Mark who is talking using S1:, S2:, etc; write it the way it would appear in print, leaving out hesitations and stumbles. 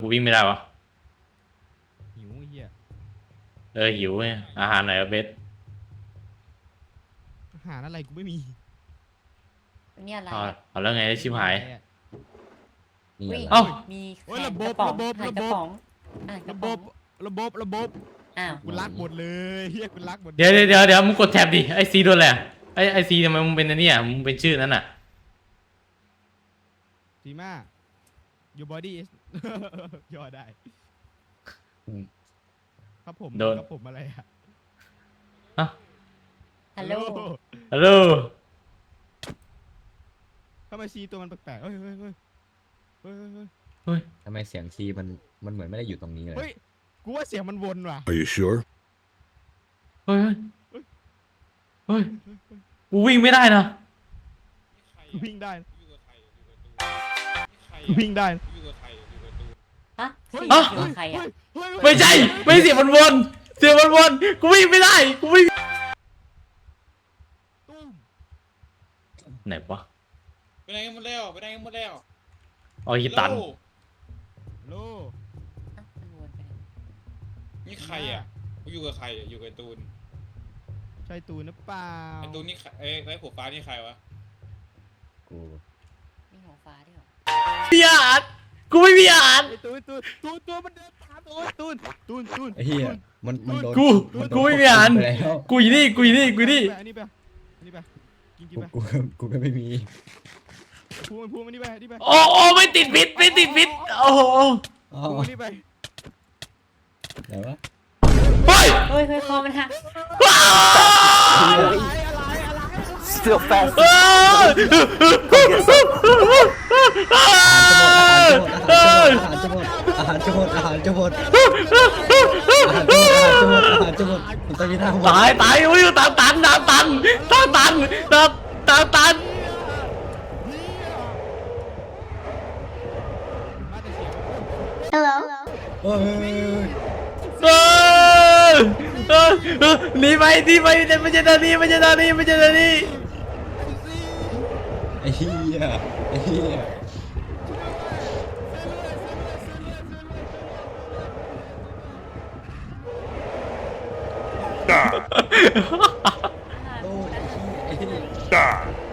S1: วิ่งไม่ได้วะ
S2: หิวเฮีย
S1: หิวไงอาหารไหนเบส
S2: อาหารอะไรกูไม่มี
S3: นี่อะไร
S1: เอาแล้วไงชิบหาย
S4: นี่อะไร
S1: เอ้า
S3: มี
S2: ระบบ
S3: อ้าว
S2: กูรักหมดเลยเฮียกูรักหมด
S1: เดี๋ยวมึงกดแท็บดิไอซีโดนอะไรไอซีทำไมมึงเป็นอันนี้มึงเป็นชื่อนั้นอ่ะ
S2: จีมา your body is ย่อได้ครับผมครับผมอะไรอะ
S3: ฮัลโหล
S1: ฮัลโหล
S2: ทำไมซีตัวมันแปลกๆเฮ้ย
S4: ทำไมเสียงซีมันเหมือนไม่ได้อยู่ตรงนี้เลย
S2: เฮ้ยกูว่าเสียงมันวนว่ะ
S5: Are you sure?
S1: เฮ้ยกูวิ่งไม่ได้นะ
S2: วิ่งได้วิ่งได้
S3: ฮะใครอ่ะ
S1: ไม่ใช่ไม่เสียงมันวนกูวิ่งไม่ได้กูวิ่งไหนวะ
S6: ไปไหนกันหมดแล้ว
S1: อ๋อฮิตัน
S2: โล
S6: นี่ใครอ่ะกูอยู่กับใครอยู่กับตูน
S2: ใช่ตูนหรือเปล่า
S6: ไอตูนนี่ไอ้หัวฟ้านี่ใครวะ
S4: กู
S3: มีหัวฟ้าด้วยเหรอ
S1: พี่อาร์ตกูไม่พี่อาร์ต
S2: ตูนมันเดินตามตูน
S4: ไอ้เหี้ยมันโดน
S1: กูไม่พี่อาร์ต
S4: ไปแล้ว
S1: กูอยู่นี่
S2: อันนี้ไปกินไป
S4: กูก็ไม่มี
S2: พูมันนี่ไปนี่ไป
S1: โอ้ไม่ติดพิษโอ้โห
S2: พูมันนี่ไป
S4: ไหนวะ
S1: เฮ้ย
S3: คอมันหัก
S7: Still fast.
S4: อาหารจะหมดมันต้องมีทาง
S1: ตายอุ้ยตัน
S2: Hello
S1: หนีไปไม่ใช่ตอนนี้
S4: ไอ้เหี้ย
S3: อาหาร